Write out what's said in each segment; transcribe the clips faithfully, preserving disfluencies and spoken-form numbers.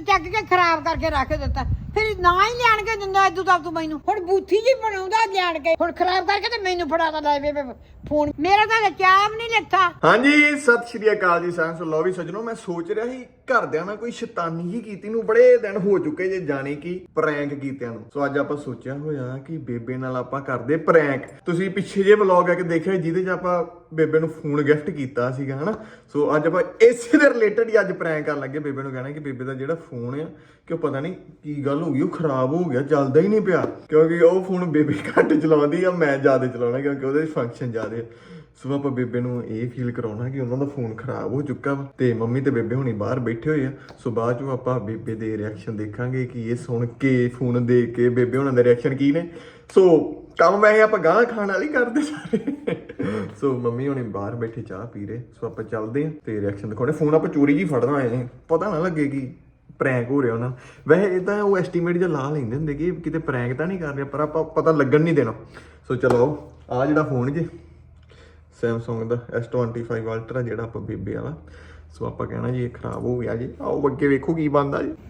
ਚੱਕ ਕੇ ਖਰਾਬ ਕਰਕੇ ਰੱਖ ਦਿੱਤਾ ਫਿਰ ਨਾ ਹੀ ਲਿਆਣ ਕੇ ਦਿੰਦਾ ਇਦੋਂ ਤੱਕ ਤੂੰ ਮੈਨੂੰ ਹੁਣ ਬੂਥੀ ਜੀ ਬਣਾਉਂਦਾ ਲਿਆਣ ਕੇ ਹੁਣ ਖਰਾਬ ਕਰਕੇ ਤੇ ਮੈਨੂੰ ਫੜਾਦਾ ਲੈ ਬੇਬੇ ਫੋਨ ਮੇਰਾ ਤਾਂ ਚਾਹ ਵੀ ਨਹੀਂ ਲੱਥਾ। ਹਾਂਜੀ ਸਤਿ ਸ਼੍ਰੀ ਅਕਾਲ ਜੀ ਸਾਰਿਆਂ ਨੂੰ। ਲੋ ਵੀ ਸੱਜਣੋ ਮੈਂ ਸੋਚ ਰਿਹਾ ਸੀ ਘਰਦਿਆਂ ਨਾਲ ਕੋਈ ਸ਼ੈਤਾਨੀ ਹੀ ਕੀਤੀ ਨੂੰ ਬੜੇ ਦਿਨ ਹੋ ਚੁੱਕੇ ਜੇ ਜਾਣੇ ਕਿ ਪ੍ਰੈਂਕ ਕੀਤਿਆਂ ਨੂੰ। ਸੋ ਅੱਜ ਆਪਾਂ ਸੋਚਿਆ ਹੋਇਆ ਕਿ ਬੇਬੇ ਨਾਲ ਆਪਾਂ ਕਰਦੇ ਪ੍ਰੈਂਕ। ਤੁਸੀਂ ਪਿੱਛੇ ਜੇ ਵਲੌਗ ਆ ਕੇ ਦੇਖਿਆ ਜਿਹਦੇ 'ਚ ਆਪਾਂ ਬੇਬੇ ਨੂੰ ਫੋਨ ਗਿਫਟ ਕੀਤਾ ਸੀਗਾ ਹਨਾ। ਸੋ ਅੱਜ ਆਪਾਂ ਇਸੇ ਦੇ ਰਿਲੇਟਡ ਹੀ ਅੱਜ ਪ੍ਰੈਂਕ ਕਰਨ ਲੱਗੇ। ਬੇਬੇ ਨੂੰ ਕਹਿਣਾ ਕਿ ਬੇਬੇ ਦਾ ਜਿਹੜਾ ਫੋਨ ਆ ਕਿ ਉਹ ਪਤਾ ਨਹੀਂ ਕੀ ਗੱਲ ਹੋ ਗਈ ਉਹ ਖਰਾਬ ਹੋ ਗਿਆ ਚੱਲਦਾ ਹੀ ਨਹੀਂ ਪਿਆ ਕਿਉਂਕਿ ਉਹ ਫੋਨ ਬੇਬੇ ਘੱਟ ਚਲਾਉਂਦੀ ਆ ਮੈਂ ਜ਼ਿਆਦਾ ਚਲਾਉਣਾ ਕਿਉਂਕਿ ਉਹਦੇ ਫੰਕਸ਼ਨ ਜ਼ਿਆਦਾ। ਸੋ ਆਪਾਂ ਬੇਬੇ ਨੂੰ ਇਹ ਫੀਲ ਕਰਾਉਣਾ ਕਿ ਉਹਨਾਂ ਦਾ ਫੋਨ ਖਰਾਬ ਹੋ ਚੁੱਕਾ ਵਾ ਤੇ ਮੰਮੀ ਤੇ ਬੇਬੇ ਹੁਣੀ ਬਾਹਰ ਬੈਠੇ ਹੋਏ ਆ। ਸੋ ਬਾਅਦ ਚੋਂ ਆਪਾਂ ਬੇਬੇ ਦੇ ਰਿਐਕਸ਼ਨ ਦੇਖਾਂਗੇ ਕਿ ਇਹ ਸੁਣ ਕੇ ਫੋਨ ਦੇਖ ਕੇ ਬੇਬੇ ਹੁਣਾਂ ਦੇ ਰਿਐਕਸ਼ਨ ਕੀ ਨੇ। ਸੋ ਕੰਮ ਵੈਸੇ ਆਪਾਂ ਗਾਂ ਖਾਣ ਵਾਲੀ ਕਰਦੇ ਸਾਰੇ। ਸੋ ਮੰਮੀ ਹੁਣੀ ਬਾਹਰ ਬੈਠੇ ਚਾਹ ਪੀ ਰਹੇ। ਸੋ ਆਪਾਂ ਚੱਲਦੇ ਆ ਤੇ ਰਿਐਕਸ਼ਨ ਦਿਖਾਉਣੇ। ਫੋਨ ਆਪਾਂ ਚੋਰੀ ਜੀ ਫੜਨਾ ਆਏ ਪਤਾ ਨਾ ਲੱਗੇ ਕਿ ਪ੍ਰੈਂਕ ਹੋ ਰਿਹਾ ਉਹਨਾਂ ਨੂੰ। ਵੈਸੇ ਇਹ ਤਾਂ ਉਹ ਐਸਟੀਮੇਟ ਜਿਹਾ ਲਾ ਲੈਂਦੇ ਹੁੰਦੇ ਕਿ ਕਿਤੇ ਪ੍ਰੈਂਕ ਤਾਂ ਨਹੀਂ ਕਰ ਰਿਹਾ ਪਰ ਆਪਾਂ ਪਤਾ ਲੱਗਣ ਨਹੀਂ ਦੇਣਾ। ਸੋ ਚਲੋ ਆ ਜਿਹੜਾ ਫੋਨ ਜੇ ਸੈਮਸੰਗ ਦਾ ਐਸ ਟਵੈਂਟੀ ਫਾਈਵ ਅਲਟਰਾ ਜਿਹੜਾ ਆਪਾਂ ਬੇਬੇ ਵਾਲਾ। ਸੋ ਆਪਾਂ ਕਹਿਣਾ ਜੀ ਇਹ ਖਰਾਬ ਹੋ ਗਿਆ ਜੀ। ਆਓ ਅੱਗੇ ਵੇਖੋ ਕੀ ਬਣਦਾ ਜੀ।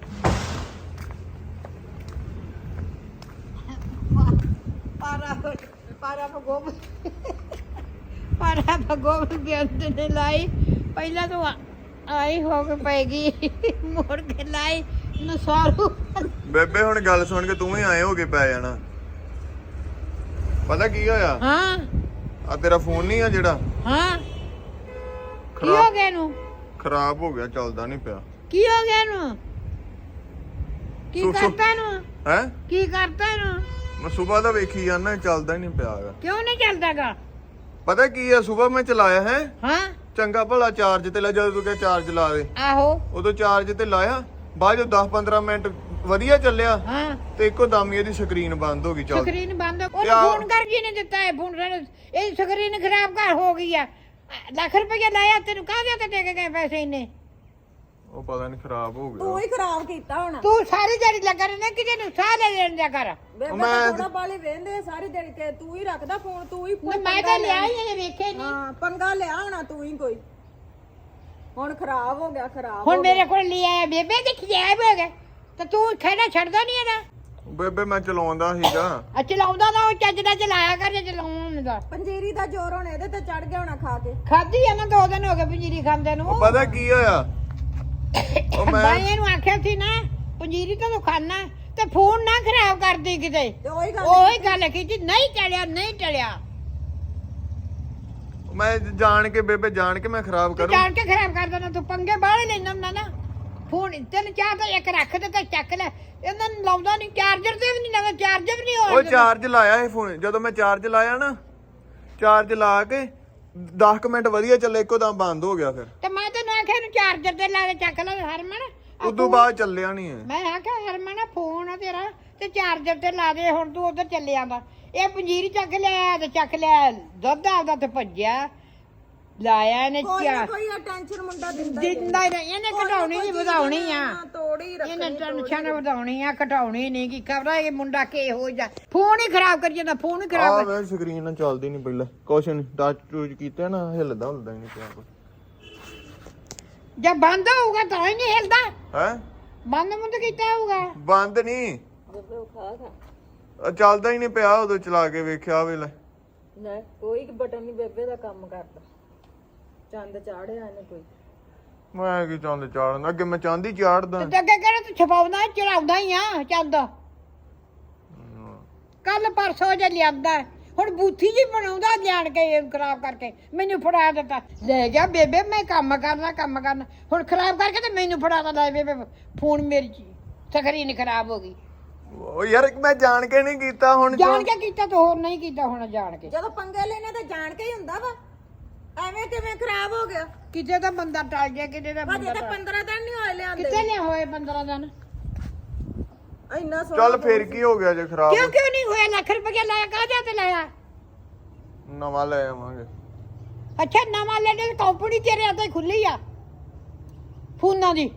ਪਾਰਾ ਪਾਰਾ ਭਗੋਬ ਪਾਰਾ ਭਗੋਬ ਦੇ ਅੰਦਰ ਨੇ ਲਾਈ ਪਹਿਲਾਂ ਤਾਂ ਆਈ ਹੋ ਕੇ ਪੈਗੀ ਮੋੜ ਕੇ ਲਾਈ ਨਸਾਰੂ। ਬੇਬੇ ਹੁਣ ਗੱਲ ਸੁਣ ਕੇ ਤੂੰ ਹੀ ਆਏ ਹੋ ਕੇ ਪੈ ਜਾਣਾ। ਪਤਾ ਕੀ ਹੋਇਆ ਹਾਂ ਆ ਤੇਰਾ ਫੋਨ ਨਹੀਂ ਆ ਜਿਹੜਾ ਹਾਂ ਕੀ ਹੋ ਗਿਆ ਇਹਨੂੰ ਖਰਾਬ ਹੋ ਗਿਆ ਚੱਲਦਾ ਨਹੀਂ ਪਿਆ। ਕੀ ਹੋ ਗਿਆ ਇਹਨੂੰ ਕੀ ਸੁ- ਸੁ- ਕਰਤਾ ਇਹਨੂੰ ਹੈ ਕੀ ਕਰਤਾ ਇਹਨੂੰ ਮੈਂ ਸਵੇਰ ਦਾ ਵੇਖੀ ਜਾਂਦਾ ਚੱਲਦਾ ਹੀ ਨਹੀਂ ਪਿਆ ਹੈਗਾ। ਕਿਉਂ ਨਹੀਂ ਚੱਲਦਾਗਾ ਪਤਾ ਕੀ ਆ ਸਵੇਰ ਮੈਂ ਚਲਾਇਆ ਹੈ ਹਾਂ ਚੰਗਾ ਭਲਾ ਚਾਰਜ ਤੇ ਲਾ ਜਦੋਂ ਤੂੰ ਕਿਹਾ ਚਾਰਜ ਲਾ ਦੇ ਆਹੋ ਉਦੋਂ ਚਾਰਜ ਤੇ ਲਾਇਆ ਬਾਅਦ ਜੋ ਦਸ ਪੰਦਰਾਂ ਮਿੰਟ ਵਧੀਆ ਚੱਲਿਆ ਹਾਂ ਤੇ ਇੱਕੋ ਦਮ ਹੀ ਇਹਦੀ ਸਕਰੀਨ ਬੰਦ ਹੋ ਗਈ ਚੱਲ। ਸਕਰੀਨ ਬੰਦ ਉਹ ਯਾ- ਫੋਨ ਕਰ ਜੀ ਨੇ ਦਿੱਤਾ ਹੈ ਫੋਨ ਇਹ ਸਕਰੀਨ ਖਰਾਬ ਕਰ ਹੋ ਗਈ ਆ ਲੱਖ ਰੁਪਏ ਲਾਇਆ ਤੈਨੂੰ ਕਾਹਦੇ ਤੇ ਦੇ ਕੇ ਗਏ ਪੈਸੇ ਇੰਨੇ ਉਹ ਪਤਾ ਨਹੀਂ ਖਰਾਬ ਹੋ ਗਿਆ। ਤੂੰ ਹੀ ਖਰਾਬ ਕੀਤਾ ਹੁਣ। ਤੂੰ ਸਾਰੀ ਦਿਹਾੜੀ ਲੱਗਾ ਰਹਿਣਾ ਕਿਤੇ ਨੂੰ ਸਾਹ ਲੈ ਲੈਣ ਦਿਆ ਕਰ ਬੇਬੇ ਮੈਂ- ਤਾਂ ਥੋੜਾ ਬਾਲੇ ਵੇਂਦੇ ਸਾਰੇ ਦਿਨ ਕੇ ਤੂੰ ਹੀ ਰੱਖਦਾ ਫੋਨ ਤੂੰ ਹੀ ਮੈਂ ਮੈਂ ਤਾਂ ਲਿਆ ਹੀ ਇਹਨੇ ਵੇਖੇ ਨਹੀਂ ਹਾਂ ਪੰਗਾ ਲਿਆ ਹੋਣਾ ਤੂੰ ਹੀ ਕੋਈ ਹੁਣ ਖਰਾਬ ਹੋ ਗਿਆ ਖਰਾਬ ਹੁਣ ਹੋ ਮੇਰੇ ਕੋਲ ਲਿਆ ਬੇਬੇ ਦੇ ਖਿਆਬ ਹੋ ਗਏ ਤੇ ਤੂੰ ਖੇੜਾ ਛੱਡਦਾ ਨਹੀਂ ਇਹਦਾ ਬੇਬੇ ਮੈਂ ਚਲਾਉਂਦਾ ਸੀਗਾ। ਆ ਚਲਾਉਂਦਾ ਤਾਂ ਉਹ ਚੱਜ ਦਾ ਚਲਾਇਆ ਕਰ ਜੇ ਚਲਾਉਣ ਦਾ ਗਿਆ। ਪੰਜੀਰੀ ਦਾ ਜ਼ੋਰ ਹੁਣ ਇਹਦੇ ਤੇ ਚੜ ਗਿਆ ਹੋਣਾ ਖਾ ਕੇ। ਖਾਦੀ ਆ ਨਾ ਦੋ ਦਿਨ ਹੋ ਗਏ ਪੰਜੀਰੀ ਖਾਂਦੇ ਨੂੰ ਉਹ ਪਤਾ ਕੀ ਹੋਇਆ ਉਹ ਮੈਂ ਮੈਂ ਇਹਨੂੰ ਆਖਿਆ ਸੀ ਨਾ ਪੰਜੀਰੀ ਤਾਂ ਤੂੰ ਖਾਣਾ ਤੇ ਫੋਨ ਨਾ ਖਰਾਬ ਕਰਦੀ ਕਿਤੇ ਤੇ ਉਹੀ ਗੱਲ ਉਹੀ ਗੱਲ ਕੀਤੀ ਨਹੀਂ ਟਲਿਆ ਨਹੀਂ ਟਲਿਆ ਮੈਂ ਜਾਣ ਕੇ ਬੇਬੇ ਜਾਣ ਕੇ ਮੈਂ ਖਰਾਬ ਤੂੰ ਕਰੂੰ। ਜਾਣ ਕੇ ਖਰਾਬ ਕਰ ਦੇਣਾ ਤੂੰ ਪੰਗੇ ਬਾਹਲੇ ਲੈਣਾ ਹੁੰਦਾ ਨਾ ਫੋਨ ਤੈਨੂੰ ਚਾਹ ਤਾਂ ਇੱਕ ਰੱਖ ਦੇ ਤੇ ਚੱਕ ਲੈ ਇਹਨਾਂ ਨੂੰ ਲਾਉਂਦਾ ਨਹੀਂ ਚਾਰਜਰ ਤੇ ਵੀ ਨਹੀਂ ਲਾਉਂਦਾ ਚਾਰਜਰ ਵੀ ਨਹੀਂ ਉਹ ਹੋਇਆ ਚਾਰਜ ਲਾਇਆ ਇਹ ਫੋਨ ਜਦੋਂ ਮੈਂ ਚਾਰਜ ਲਾਇਆ ਨਾ ਚਾਰਜ ਲਾ ਕੇ ਦਸ ਕੁ ਮਿੰਟ ਵਧੀਆ ਚੱਲੇ ਇੱਕੋ ਦਮ ਬੰਦ ਹੋ ਗਿਆ ਫਿਰ ਤੇ ਮੈਂ ਤੈਨੂੰ ਆਖਿਆ ਇਹਨੂੰ ਚਾਰਜਰ ਤੇ ਲਾ ਕੇ ਚੱਕ ਲੈ ਹਰਮਨ ਆਹ ਉਦੋਂ ਬਾਅਦ ਚੱਲਿਆ ਨਹੀਂ ਹੈ। ਮੈਂ ਆਖਿਆ ਹਰਮਨ ਫੋਨ ਆ ਤੇਰਾ ਤੇ ਚਾਰਜਰ ਤੇ ਲਾ ਦੇ ਹੁਣ ਤੂੰ ਉਧਰ ਚੱਲੇ ਆਂਦਾ ਇਹ ਪੰਜੀਰੀ ਚੱਕ ਲਿਆ ਤੇ ਚੱਕ ਲਿਆ ਦੁੱਧ ਆਪਦਾ ਤੇ ਭੱਜਿਆ ਲਾਇਆ ਇਹਨੇ ਕੋਈ ਨਾ ਚਾਰ ਕੋਈ ਆ ਟੈਨਸ਼ਨ ਮੁੰਡਾ ਦਿੰਦਾ ਹੀ ਦਿੰਦਾ ਹੀ ਨਹੀਂ ਇਹਨੇ ਘਟਾਉਣੀ ਨਹੀਂ ਵਧਾਉਣੀ ਆ ਹਾਂ, ਤੋੜੀ ਰੱਖ ਇਹਨੇ ਟੈਨਸ਼ਨ ਵਧਾਉਣੀ ਆ ਘਟਾਉਣੀ ਨਹੀਂ ਕੀ ਖਬਰ ਇਹ ਮੁੰਡਾ ਕੀ ਹੋ ਜਾ ਫੋਨ ਹੀ ਖਰਾਬ ਕਰੀ ਜਾਂਦਾ ਫੋਨ ਹੀ ਆ ਖਰਾਬ ਵੇ ਸਕਰੀਨ ਨਾਲ ਚੱਲਦੀ ਨਹੀਂ ਪਹਿਲਾਂ ਕੁਛ ਨਹੀਂ ਟੱਚ ਟੂਚ ਕੀਤਾ ਨਾ ਹਿੱਲਦਾ ਹੁੰਦਾ ਹੀ ਨਹੀਂ ਪਿਆ ਕੋਈ ਜਦ ਬੰਦ ਹੋਊਗਾ ਤਾਂ ਹੀ ਨਹੀਂ ਹਿਲਦਾ ਹੈ ਬੰਦ ਮੁੰਦ ਕੀਤਾ ਹੋਊਗਾ ਬੰਦ ਨਹੀਂ ਬੇਬੇ ਉਹ ਖਾ ਖਾ ਅ, ਚੱਲਦਾ ਹੀ ਨਹੀਂ ਪਿਆ ਉਦੋਂ ਚਲਾ ਕੇ ਵੇਖਿਆ ਵੇਲੇ ਨਾ ਕੋਈ ਬਟਨ ਨਹੀਂ ਬੇਬੇ ਦਾ ਕੰਮ ਕਰਦਾ ਚੰਦ ਚਾੜਿਆ ਇਹਨੇ ਕੋਈ। ਮੈਂ ਕੀ ਚੰਦ ਚਾੜਨ ਅੱਗੇ ਮੈਂ ਚਾਂਦੀ ਚਾੜਦਾ ਤੇ ਅੱਗੇ ਕਿਹੜਾ ਤੂੰ ਛਪਾਉਂਦਾ ਚੜਾਉਂਦਾ ਹੀ ਆ ਚੰਦ ਕੱਲ ਪਰਸੋਂ ਜੇ ਲਿਆਂਦਾ ਹੁਣ ਬੂਥੀ ਜੀ ਬਣਾਉਂਦਾ ਲਿਆਣ ਕੇ ਖਰਾਬ ਕਰਕੇ ਮੈਨੂੰ ਫੜਾ ਦਿੱਤਾ ਲੈ ਜਾ ਬੇਬੇ ਮੈਂ ਕੰਮ ਕਰਨਾ ਕੰਮ ਕਰਨਾ ਹੁਣ ਖਰਾਬ ਕਰਕੇ ਤੇ ਮੈਨੂੰ ਫੜਾਦਾ ਲੈ ਬੇਬੇ ਫੋਨ ਮੇਰੀ ਸਕਰੀਨ ਖਰਾਬ ਹੋ ਗਈ ਉਹ ਯਾਰ ਮੈਂ ਜਾਣ ਕੇ ਨਹੀਂ ਕੀਤਾ ਹੁਣ ਜਾਣ ਕੇ ਕੀਤਾ ਤਾਂ ਹੋਰ ਨਹੀਂ ਕੀਤਾ ਹੁਣ ਜਾਣ ਕੇ ਜਦੋਂ ਪੰਗੇ ਲੈਣੇ ਤਾਂ ਜਾਣ ਕੇ ਹੀ ਹੁੰਦਾ ਵਾ ਐਵੇਂ ਕਿਵੇਂ ਖਰਾਬ ਹੋ ਗਿਆ। ਕਿਤੇ ਤਾਂ ਬੰਦਾ ਟਲ ਗਿਆ ਕਿਤੇ ਤਾਂ ਅਜੇ ਬੰਦਾ ਤਾਂ ਟਲ- ਪੰਦਰਾਂ ਦਿਨ ਨਹੀਂ ਹੋਏ ਲਿਆਂਦੇ ਕਿਤੇ ਨਹੀਂ ਹੋਏ ਪੰਦਰਾਂ ਦਿਨ ਇੰਨਾ ਸੋਹਣਾ ਚੱਲ ਫੇਰ ਕੀ ਹੋ ਗਿਆ ਜੇ ਖਰਾਬ ਕਿਉਂ ਕਿਉਂ ਨਹੀਂ ਹੋਇਆ ਲੱਖ ਰੁਪਏ ਲਾਇਆ ਕਾਹਦੇ ਤੇ ਲਾਇਆ ਨਵਾਂ ਲੈ ਆਵਾਂਗੇ। ਅੱਛਾ ਨਵਾਂ ਲੈਣੇ ਦੀ ਕੰਪਨੀ ਤੇਰੇ ਹੱਥ ਹੀ ਖੁੱਲੀ ਆ ਫੋਨਾਂ ਦੀ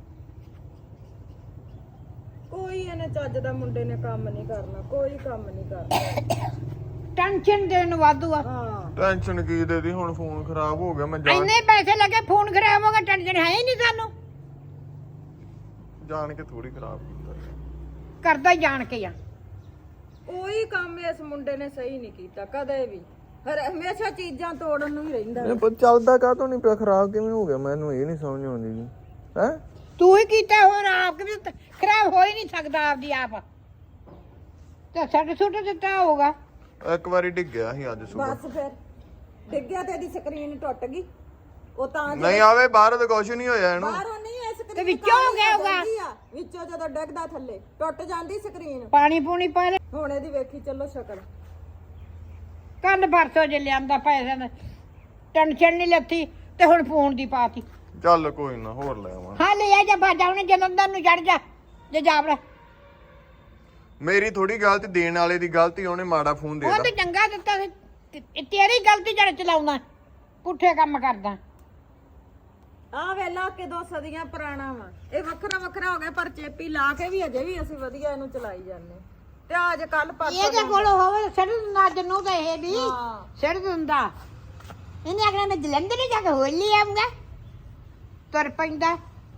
ਕੋਈ ਇਹਨੇ ਚੱਜ ਦਾ ਮੁੰਡੇ ਨੇ ਕੰਮ ਨਹੀਂ ਕਰਨਾ ਕੋਈ ਕੰਮ ਨਹੀਂ ਕਰਨਾ ਟੈਨਸ਼ਨ ਦੇਣ ਵਾਧੂ ਆ ਹਾਂ ਟੈਨਸ਼ਨ ਕੀ ਦੇਦੀ ਹੁਣ ਫੋਨ ਖਰਾਬ ਹੋ ਗਿਆ ਮੈਂ ਜਾਣ ਇੰਨੇ ਪੈਸੇ ਲੱਗੇ ਫੋਨ ਖਰਾਬ ਹੋ ਗਿਆ ਟੈਨਸ਼ਨ ਹੈ ਹੀ ਨਹੀਂ ਸਾਨੂੰ ਜਾਣ ਕੇ ਥੋੜੀ ਖਰਾਬ ਕੀਤਾ ਕਰਦਾ ਹੀ ਜਾਣ ਕੇ ਆ। ਕੋਈ ਕੰਮ ਇਸ ਮੁੰਡੇ ਨੇ ਸਹੀ ਨਹੀਂ ਕੀਤਾ ਕਦੇ ਵੀ, ਹਰ ਹਮੇਸ਼ਾ ਚੀਜ਼ਾਂ ਤੋੜਨ ਨੂੰ ਹੀ ਰਹਿੰਦਾ। ਇਹ ਪਰ ਚੱਲਦਾ ਕਾਹਤੋਂ ਨਹੀਂ ਪਿਆ, ਖਰਾਬ ਕਿਵੇਂ ਹੋ ਗਿਆ ਮੈਨੂੰ ਇਹ ਨਹੀਂ ਸਮਝ ਆਉਂਦੀ ਜੀ। ਹੈ ਤੂੰ ਹੀ ਕੀਤਾ, ਹੋਰ ਆਪ ਵੀ ਤਾਂ ਖਰਾਬ ਹੋ ਹੀ ਨਹੀਂ ਸਕਦਾ ਆਪਦੀ ਆਪ। ਤੇ ਸਾਡੇ ਸੁੱਟ ਦਿੱਤਾ ਹੋਊਗਾ। ਇੱਕ ਵਾਰੀ ਡਿੱਗ ਗਿਆ ਸੀ ਅੱਜ ਸੁਬਹ। ਬਸ ਫਿਰ ਡਿੱਗਿਆ ਤੇ ਇਹਦੀ ਸਕਰੀਨ ਟੁੱਟ ਗਈ। ਉਹ ਤਾਂ ਨਹੀਂ ਆਵੇ ਬਾਹਰ ਤਾਂ ਕੁਝ ਨਹੀਂ ਹੋਇਆ ਇਹਨੂੰ। ਬਾਹਰੋਂ ਨਹੀਂ ਇਹ ਸਕਰੀਨ ਤੇ ਵਿੱਚੋਂ ਹੋ ਗਿਆ ਹੋਊਗਾ। ਵਿੱਚੋਂ ਜਦੋਂ ਡਿੱਗਦਾ ਥੱਲੇ ਟੁੱਟ ਜਾਂਦੀ ਸਕਰੀਨ। ਪਾਣੀ ਪੂਣੀ ਪਾ ਲੈ। ਹੁਣ ਇਹਦੀ ਵੇਖੀ ਚੱਲੋ ਸ਼ਕਲ। ਕੱਲ ਪਰਸੋਂ ਜੇ ਲਿਆਂਦਾ ਪੈਸੇ ਨੇ ਟੈਨਸ਼ਨ ਨਹੀਂ ਲੱਥੀ ਤੇ ਹੁਣ ਫੋਨ ਦੀ ਪਾਤੀ। ਚੱਲ ਕੋਈ ਨਾ ਹੋਰ ਲੈ ਆਵਾਂ। ਹਾਂ ਲੈ ਆ ਜਾ ਬਾਜਾ ਉਹਨੇ ਜਲੰਧਰ ਨੂੰ ਚੜ ਜਾ ਜੇ ਜਾਵੜਾ। ਮੇਰੀ ਥੋੜੀ ਗਲਤੀ, ਦੇਣ ਵਾਲੇ ਦੀ ਗਲਤੀ, ਉਹਨੇ ਮਾੜਾ ਫੋਨ ਦੇ ਉਹ ਤੇ ਦਿੱਤਾ। ਚੰਗਾ ਦਿੱਤਾ ਸੀ, ਤੇ- ਇਹ ਤੇਰੀ ਗਲਤੀ ਜੜ ਚਲਾਉਣਾ, ਪੁੱਠੇ ਕੰਮ ਕਰਦਾ। ਆ ਵੇਲਾ ਕਿ ਦੋ ਸਦੀਆਂ ਪੁਰਾਣਾ ਵਾ, ਇਹ ਵੱਖਰਾ ਵੱਖਰਾ ਹੋ ਗਿਆ ਪਰ ਚੇਪੀ ਲਾ ਕੇ ਵੀ ਅਜੇ ਵੀ ਅਸੀਂ ਵਧੀਆ ਇਹਨੂੰ ਚਲਾਈ ਜਾਂਦੇ। ਤੇ ਅੱਜ ਕੱਲ ਪਰਸੋਂ ਇਹਦੇ ਕੋਲ ਹੋਵੇ ਸਿਰ ਨੱਜ ਨੂੰ ਤਾਂ ਇਹ ਵੀ ਹਾਂ। ਸਿਰ ਦਿੰਦਾ। ਇਹਨੇ ਆਖਣਾ ਮੈਂ ਜਲੰਧਰ ਜਾ ਕੇ ਹੋਲੀ ਆਉਂਗਾ, ਤੁਰ ਪੈਂਦਾ।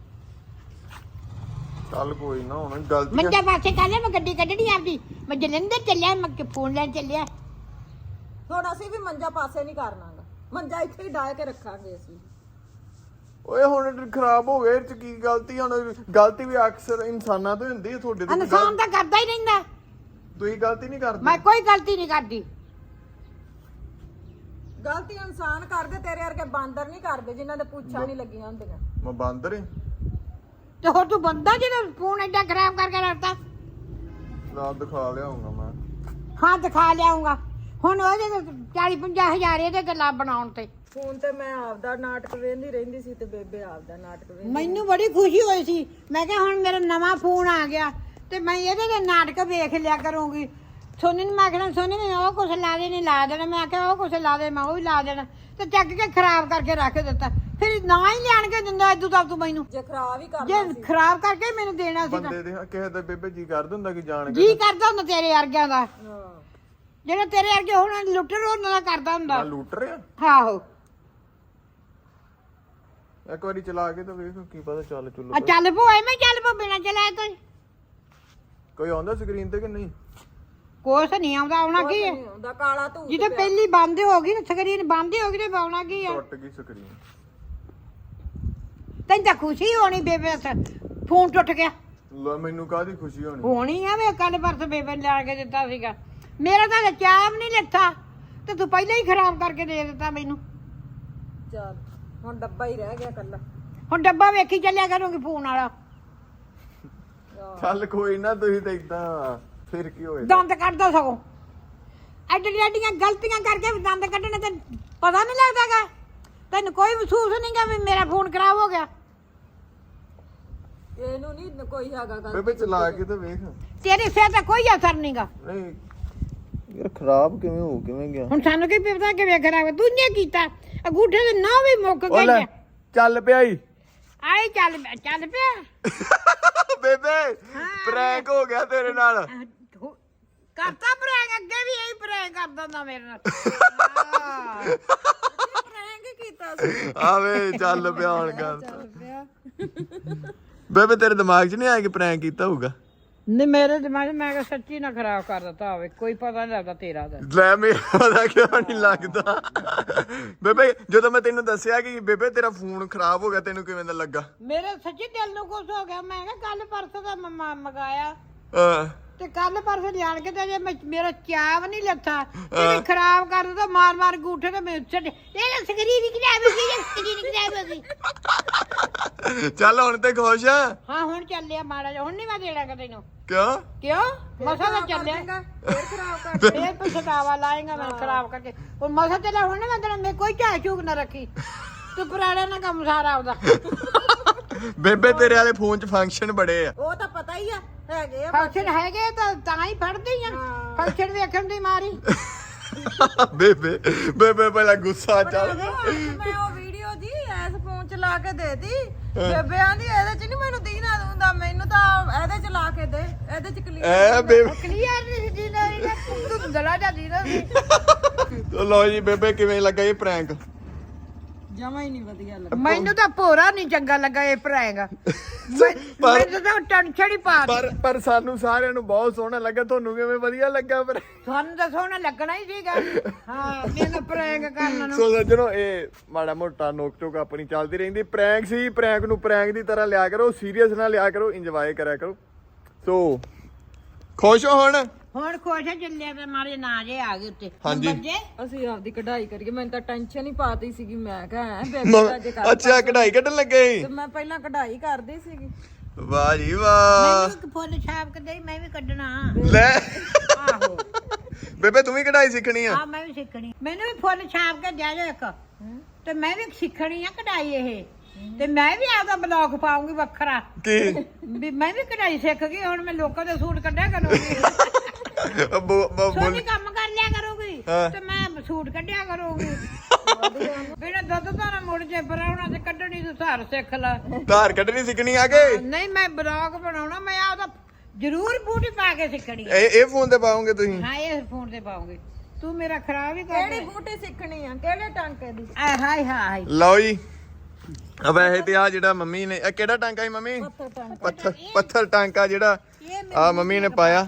ਚੱਲ ਕੋਈ ਨਾ, ਹੁਣ ਗਲਤੀ ਮੰਜਾ ਪਾਸੇ ਕਰ ਲਿਆ, ਮੈਂ ਗੱਡੀ ਕੱਢਣੀ ਆਪਦੀ, ਮੈਂ ਜਲੰਧਰ ਚੱਲਿਆ, ਮੈਂ ਕਿ ਫੋਨ ਲੈਣ ਚੱਲਿਆ। ਹੁਣ ਅਸੀਂ ਵੀ ਮੰਜਾ ਪਾਸੇ ਨਹੀਂ ਕਰਨਾਗਾ, ਮੰਜਾ ਇੱਥੇ ਹੀ ਡਾਹ ਕੇ ਰੱਖਾਂਗੇ ਅਸੀਂ। ਓਏ ਹੁਣ ਖਰਾਬ ਹੋ ਗਏ, ਇਹ ਚ ਕੀ ਗਲਤੀ? ਹੁਣ ਗਲਤੀ ਵੀ ਅਕਸਰ ਇਨਸਾਨਾਂ ਤੋਂ ਹੁੰਦੀ ਹੈ, ਤੁਹਾਡੇ ਤੋਂ ਇਨਸਾਨ ਤਾਂ ਕਰਦਾ ਹੀ ਰਹਿੰਦਾ। ਤੁਸੀਂ ਗਲਤੀ ਨਹੀਂ ਕਰਦੇ। ਮੈਂ ਕੋਈ ਗਲਤੀ ਨਹੀਂ ਕਰਦੀ। ਗਲਤੀ ਇਨਸਾਨ ਕਰਦੇ, ਤੇਰੇ ਵਰਗੇ ਬਾਂਦਰ ਨਹੀਂ ਕਰਦੇ ਜਿਨ੍ਹਾਂ ਦੇ ਪੁੱਛਾਂ ਨਹੀਂ ਲੱਗੀਆਂ ਹੁੰਦੀਆਂ। ਮੈਂ ਬਾਂਦਰ ਏ? ਤੇ ਹੋਰ ਤੂੰ ਬੰਦਾ ਜਿਹੜਾ ਫੋਨ ਏਡਾ ਖਰਾਬ ਕਰਕੇ ਰੱਖਦਾ। ਰਾਤ ਦਿਖਾ ਲਿਆਉਂਗਾ ਮੈਂ। ਹਾਂ ਦਿਖਾ ਲਿਆਉਂਗਾ। ਹੁਣ ਉਹਦੇ ਚਾਲੀ ਪੰਜਾਹ ਹਜ਼ਾਰ ਇਹਦੇ ਗੱਲਾਂ ਬਣਾਉਣ ਤੇ। ਫੋਨ ਤੇ ਮੈਂ ਆਪਦਾ ਨਾਟਕ ਵੇਖਦੀ ਰਹਿੰਦੀ ਸੀ ਤੇ ਬੇਬੇ ਆਪਦਾ ਨਾਟਕ ਵੇਖਦੀ। ਮੈਨੂੰ ਬੜੀ ਖੁਸ਼ੀ ਹੋਈ ਸੀ, ਮੈਂ ਕਿਹਾ ਹੁਣ ਮੇਰਾ ਨਵਾਂ ਫੋਨ ਆ ਗਿਆ ਤੇ ਮੈਂ ਇਹਦੇ ਦੇ ਨਾਟਕ ਵੇਖ ਲਿਆ ਕਰੂੰਗੀ। ਸੋਨੀ ਨੂੰ ਮੈਂ ਆਖਣਾ, ਸੋਨੀ ਨੇ ਉਹ ਕੁਛ ਲਾ ਦੇ ਨਹੀਂ ਲਾ ਦੇਣਾ, ਮੈਂ ਆਖਿਆ ਉਹ ਕੁਛ ਲਾ ਦੇ, ਮੈਂ ਉਹ ਵੀ ਲਾ ਦੇਣਾ, ਤੇ ਚੱਕ ਕੇ ਖਰਾਬ ਕਰਕੇ ਰੱਖ ਦਿੱਤਾ। ਫਿਰ ਨਾ ਹੀ ਲਿਆਣ ਕੇ ਦਿੰਦਾ ਇਦੋਂ ਤੱਕ ਤੂੰ ਮੈਨੂੰ, ਜੇ ਖਰਾਬ ਹੀ ਕਰਨਾ ਜੇ ਸੀ। ਖਰਾਬ ਕਰਕੇ ਮੈਨੂੰ ਦੇਣਾ ਸੀ। ਬੰਦੇ ਦੇ ਕਿਸੇ ਦਾ ਬੇਬੇ ਜੀ ਕਰਦਾ ਹੁੰਦਾ ਕਿ ਜਾਣ ਕੇ ਜੀ ਕਰਦਾ ਹੁੰਦਾ ਤੇਰੇ ਵਰਗਿਆਂ ਦਾ, ਹਾਂ ਜਿਹੜਾ ਤੇਰੇ ਵਰਗੇ ਹੁਣ ਲੁੱਟਰ ਉਹਨਾਂ ਦਾ ਕਰਦਾ ਹੁੰਦਾ। ਮੈਂ ਲੂਟ ਰਿਹਾ। ਆਹੋ ਇੱਕ ਵਾਰੀ ਚਲਾ ਕੇ ਤਾਂ ਵੇਖ, ਕੀ ਪਤਾ ਚੱਲ ਚੁੱਲੂ ਆ ਚੱਲ ਪੋ ਐਵੇਂ ਚੱਲ ਪੋ ਬਿਨਾ ਚਲਾਏ ਤੋਂ। ਕੋਈ ਆਉਂਦਾ ਸਕਰੀਨ ਤੇ ਕਿ ਨਹੀਂ? ਕੁਛ ਨਹੀਂ ਆਉਂਦਾ, ਆਉਣਾ ਕੀ ਹੈ? ਨਹੀਂ ਹੁੰਦਾ, ਕਾਲਾ ਧੂਤ ਜਿਹਦੇ ਪਹਿਲੀ ਬੰਦ ਹੋ ਗਈ ਨਾ, ਸਕਰੀਨ ਬੰਦ ਹੋ ਗਈ ਤੇ ਆਉਣਾ ਕੀ ਹੈ? ਟੁੱਟ ਗਈ ਸਕਰੀਨ। ਤੈਨੂੰ ਤਾਂ ਖੁਸ਼ੀ ਹੋਣੀ ਬੇਬੇ ਦਾ ਫੋਨ ਟੁੱਟ ਗਿਆ। ਲੈ ਮੈਨੂੰ ਕਾਹਦੀ ਖੁਸ਼ੀ ਹੋਣੀ? ਹੋਣੀ ਆ, ਮੈਂ ਕੱਲ ਪਰਸ ਬੇਬੇ ਨੇ ਲਿਆ ਕੇ ਦਿੱਤਾ ਸੀਗਾ। ਮੇਰਾ ਤਾਂ ਚਾਹ ਵੀ ਨਹੀਂ ਲੱਥਾ ਤੇ ਤੂੰ ਪਹਿਲਾਂ ਹੀ ਖਰਾਬ ਕਰਕੇ ਦੇ ਦਿੱਤਾ ਮੈਨੂੰ। ਚੱਲ ਹੁਣ ਡੱਬਾ ਹੀ ਰਹਿ ਗਿਆ ਕੱਲਾ। ਹੁਣ ਡੱਬਾ ਵੇਖੀ ਚੱਲਿਆ ਕਰੂੰਗੀ ਫੋਨ ਵਾਲਾ। ਚੱਲ ਕੋਈ ਨਾ, ਤੁਸੀਂ ਤਾਂ ਇਦਾਂ ਫਿਰ ਕੀ ਹੋਏ? ਦੰਦ ਕੱਢਦਾ ਸਗੋਂ ਐਡੀਆਂ ਐਡੀਆਂ ਗਲਤੀਆਂ ਕਰਕੇ ਵੀ ਦੰਦ ਕੱਢਣੇ ਤੇ ਪਤਾ ਨਹੀਂ ਲੱਗਦਾਗਾ। ਤੈਨੂੰ ਕੋਈ ਮਹਿਸੂਸ ਨਹੀਂਗਾ ਵੀ ਮੇਰਾ ਫੋਨ ਖਰਾਬ ਹੋ ਗਿਆ। ਇਹਨੂੰ ਨਹੀਂ ਕੋਈ ਹੈਗਾ ਗੱਲ। ਬੇਬੇ ਚਲਾ ਕੇ ਤਾਂ ਵੇਖ। ਤੇਰੇ ਸਿਰ ਤੇ ਕੋਈ ਅਸਰ ਨਹੀਂਗਾ। ਨਹੀਂ ਯਾਰ ਖਰਾਬ ਕਿਵੇਂ ਹੋ ਕਿਵੇਂ ਗਿਆ? ਹੁਣ ਸਾਨੂੰ ਕੀ ਪਤਾ ਕਿਵੇਂ ਖਰਾਬ ਤੂੰ ਨੇ ਕੀਤਾ। ਅੰਗੂਠੇ ਦੇ ਨਾ ਵੀ ਮੁੱਕ ਉਹ ਲੈ ਗਏ। ਚੱਲ ਪਿਆ ਈ। ਆਏ ਚੱਲ ਚੱਲ ਪਿਆ। ਬੇਬੇ ਪ੍ਰੈਂਕ ਹੋ ਗਿਆ ਤੇਰੇ ਨਾਲ। ਕਰਤਾ ਪ੍ਰੈਂਕ, ਅੱਗੇ ਵੀ ਇਹੀ ਪ੍ਰੈਂਕ ਕਰਦਾ ਹੁੰਦਾ ਮੇਰੇ ਨਾਲ। ਪ੍ਰੈਂਕ ਕੀਤਾ ਸੀ। ਆਵੇ ਚੱਲ ਪਿਆ ਹੁਣ ਗੱਲ। ਚੱਲ ਪਿਆ। ਬੇਬੇ ਤੇਰੇ ਦਿਮਾਗ 'ਚ ਨਹੀਂ ਆਇਆ ਕਿ ਪ੍ਰੈਂਕ ਕੀਤਾ ਹੋਊਗਾ? ਨਹੀਂ ਮੇਰੇ ਦਿਮਾਗ ਮੈਂ ਕਿਹਾ ਸੱਚੀ ਨਾ ਖਰਾਬ ਕਰ ਦਿੱਤਾ ਹੋਵੇ, ਕੋਈ ਪਤਾ ਨਹੀਂ ਲੱਗਦਾ ਤੇਰਾ ਦਾ। ਲੈ ਮੇਰਾ ਦਾ ਕਿਉਂ ਨਹੀਂ ਲੱਗਦਾ? ਬੇਬੇ ਜਦੋਂ ਮੈਂ ਤੈਨੂੰ ਦੱਸਿਆ ਕਿ ਬੇਬੇ ਤੇਰਾ ਫੋਨ ਖਰਾਬ ਹੋ ਗਿਆ, ਤੈਨੂੰ ਕਿਵੇਂ ਦਾ ਲੱਗਾ? ਮੇਰੇ ਸੱਚੀ ਦਿਲ ਨੂੰ ਕੁਝ ਹੋ ਗਿਆ। ਮੈਂ ਕਿਹਾ ਕੱਲ ਪਰਸੋਂ ਦਾ ਮੈਂ ਮੰਗਾਇਆ ਹਾਂ ਤੇ ਕੱਲ ਪਰਸੋਂ ਲਿਆਣ ਕੇ ਤੇ ਜੇ ਮੈਂ- ਮੇਰਾ ਚਾਹ ਨਹੀਂ ਲੱਥਾ ਤੇ ਖਰਾਬ ਕਰ ਦਿੱਤਾ ਮਾਰ ਮਾਰ ਗੂਠੇ ਤੇ ਮੈਂ ਛੱਡ ਇਹ ਸਕਰੀਨ ਨਹੀਂ ਖਰਾਬ ਹੋ ਗਈ, ਸਕਰੀਨ ਖਰਾਬ ਹੋ ਗਈ। ਚੱਲ ਹੁਣ ਤੇ ਖੁਸ਼ ਆ? ਹਾਂ ਹੁਣ ਚੱਲਿਆ ਮਾੜਾ ਜਿਹਾ, ਹੁਣ ਨਹੀਂ ਮੈਂ ਦੇਣਾ ਕਿ ਤੈਨੂੰ। ਕਿਉਂ? ਕਿਉਂ ਮਸਾ ਤਾਂ ਚੱਲਿਆ, ਫੇਰ ਖਰਾਬ ਕਰ। ਫੇਰ ਪਛਤਾਵਾ ਲਾਏਗਾ ਮੈਂ ਖਰਾਬ ਕਰਕੇ। ਉਹ ਮਸਾ ਚੱਲਿਆ ਹੁਣ ਨਾ ਮੈਂ ਤੈਨੂੰ ਮੈਂ ਕੋਈ ਝਾਕ ਝੂਕ ਨਾ ਰੱਖੀ, ਤੂੰ ਪੁਰਾਣਾ ਨਾ ਕੰਮ ਸਾਰਾ ਆਪਦਾ। ਬੇਬੇ ਤੇਰੇ ਵਾਲੇ ਫੋਨ 'ਚ ਫੰਕਸ਼ਨ ਬੜੇ ਆ। ਉਹ ਤਾਂ ਪਤਾ ਹੀ ਆ, ਹੈਗੇ ਆ। ਫੰਕਸ਼ਨ ਹੈਗੇ ਤਾਂ ਤਾਂ ਹੀ ਫੜਦੀ ਆ। ਫੰਕਸ਼ਨ ਵੇਖਣ ਦੀ ਮਾਰੀ। ਬੇਬੇ ਬੇਬੇ ਪਹਿਲਾਂ ਗੁੱਸਾ ਚੱਲ ਗਿਆ। ਮੈਂ ਉਹ ਵੀਡੀਓ ਜੀ ਐਸ ਫੋਨ ਚ ਲਾ ਕੇ ਦੇਤੀ। ਬੇਬੇ ਆਂਦੀ ਇਹਦੇ ਚ ਨਹੀਂ ਮੈਨੂੰ ਦੀਨਾ ਹੁੰਦਾ, ਮੈਨੂੰ ਤਾਂ ਇਹਦੇ ਚ ਲਾ ਕੇ ਦੇ, ਇਹਦੇ ਚ ਕਲੀਅਰ। ਐ ਬੇਬੇ ਕਲੀਅਰ ਨਹੀਂ ਸੀ ਨਾ, ਇਹ ਧੁੰਦਲਾ ਜਾਂਦੀ ਨਾ ਸੀ। ਲੋ ਜੀ ਬੇਬੇ ਕਿਵੇਂ ਲੱਗਾ ਇਹ ਪ੍ਰੈਂਕ? ਜਮਾ ਹੀ ਨਹੀਂ ਵਧੀਆ ਲੱਗਾ। ਮੈਨੂੰ ਤਾਂ ਭੋਰਾ ਨਹੀਂ ਚੰਗਾ ਲੱਗਾ ਇਹ ਪ੍ਰੈਂਕ ਮੈਨੂੰ ਤਾਂ ਟੈਨਸ਼ਨ ਹੀ ਪਾ ਦਿੱਤੀ। ਪਰ ਪਰ ਸਾਨੂੰ ਸਾਰਿਆਂ ਨੂੰ ਬਹੁਤ ਸੋਹਣਾ ਲੱਗਾ। ਤੁਹਾਨੂੰ ਕਿਵੇਂ ਵਧੀਆ ਲੱਗਾ ਪਰ ਤੁਹਾਨੂੰ ਤਾਂ ਸੋਹਣਾ ਲੱਗਣਾ ਹੀ ਸੀਗਾ। ਹਾਂ ਮੈਨੂੰ ਪ੍ਰੈਂਕ ਕਰਨ ਨੂੰ। ਸੋ ਸੱਜਣੋ ਇਹ ਮਾੜਾ ਮੋਟਾ ਨੋਕ ਟੋਕ ਆਪਣੀ ਚੱਲਦੀ ਰਹਿੰਦੀ। ਪ੍ਰੈਂਕ ਸੀ, ਪ੍ਰੈਂਕ ਨੂੰ ਪ੍ਰੈਂਕ ਦੀ ਤਰ੍ਹਾਂ ਲਿਆ ਕਰੋ, ਸੀਰੀਅਸ ਨਾ ਲਿਆ ਕਰੋ, ਇੰਜੋਏ ਕਰਿਆ ਕਰੋ। ਸੋ ਖੁਸ਼ ਹੋ ਹੁਣ? ਹੁਣ ਖੁਸ਼ ਚੱਲਿਆ ਤੇ ਮਾਰੇ ਨਾ ਜੇ ਆ ਗਏ ਉੱਤੇ ਹਾਂਜੀ। ਬੱਜੇ ਅਸੀਂ ਆਪਦੀ ਕਢਾਈ ਕਰੀਏ। ਮੈਨੂੰ ਤਾਂ ਟੈਨਸ਼ਨ ਹੀ ਪਾਤੀ ਸੀਗੀ। ਮੈਂ ਕਿਹਾ ਬੇਬੇ ਦਾ ਜੇ ਕਰ ਅੱਛਾ ਕਢਾਈ ਕੱਢਣ ਲੱਗੇ ਸੀ? ਤੇ ਮੈਂ ਪਹਿਲਾਂ ਕਢਾਈ ਕਰਦੀ ਸੀਗੀ। ਵਾਹ ਜੀ ਵਾਹ। ਮੈਨੂੰ ਇੱਕ ਫੁੱਲ ਛਾਪ ਕੇ ਦੇ ਮੈਂ ਵੀ ਕੱਢਣਾ। ਲੈ ਆਹੋ ਬੇਬੇ ਤੂੰ ਵੀ ਕਢਾਈ ਸਿੱਖਣੀ ਆ? ਆ ਮੈਂ ਵੀ ਸਿੱਖਣੀ। ਮੈਨੂੰ ਵੀ ਫੁੱਲ ਛਾਪ ਕੇ ਦੇ ਦੇ ਇੱਕ ਤੇ ਮੈਂ ਵੀ ਸਿੱਖਣੀ ਆ ਕਢਾਈ ਇਹ। ਤੇ ਮੈਂ ਵੀ ਆਪਦਾ ਬਲੌਗ ਪਾਉਂਗੀ ਵੱਖਰਾ ਕੀ ਵੀ ਮੈਂ ਵੀ ਕਢਾਈ ਸਿੱਖ ਗਈ। ਹੁਣ ਮੈਂ ਲੋਕਾਂ ਦੇ ਸੂਟ ਕੱਢਿਆ ਕਰੂੰਗੀ। ਸੋਨੀ ਕੰਮ ਕਰ ਲਿਆ ਕਰੂਗੀ ਤੇ ਮੈਂ ਸੂਟ ਕੱਢਿਆ ਕਰੂੰਗੀ। ਬਿਨਾਂ ਦੁੱਧ ਤਾਂ ਨਾ ਮੁੜ ਜੇ ਪਰਾਉਣਾ ਤੇ ਕੱਢਣੀ ਤੂੰ ਧਾਰ ਸਿੱਖ ਲੈ। ਧਾਰ ਕੱਢਣੀ ਸਿੱਖਣੀ ਆ ਕੇ? ਨਹੀਂ ਮੈਂ ਬਲੌਗ ਬਣਾਉਣਾ। ਮੈਂ ਆਪਦਾ ਜ਼ਰੂਰ ਬੂਟੀ ਪਾ ਕੇ ਸਿੱਖਣੀ। ਇਹ ਇਹ ਫੋਨ ਤੇ ਪਾਉਂਗੇ ਤੁਸੀਂ? ਹਾਂ ਇਹ ਫੋਨ ਤੇ ਪਾਉਂਗੇ। ਤੂੰ ਮੇਰਾ ਖਰਾਬ ਹੀ ਕਰ ਕਿਹੜੀ ਬੂਟੀ ਸਿੱਖਣੀ ਆ? ਕਿਹੜੇ ਟਾਂਕੇ ਦੀ? ਆਏ ਹਾਏ ਹਾਏ ਲਓ ਜੀ ਆ ਵੈਸੇ ਤੇ ਆ ਜਿਹੜਾ ਮੰਮੀ ਨੇ ਇਹ ਕਿਹੜਾ ਟਾਂਕਾ ਸੀ ਮੰਮੀ? ਪੱਥਰ ਪੱਥਰ ਟਾਂਕਾ ਜਿਹੜਾ ਆ ਮੰਮੀ ਨੇ ਪਾਇਆ।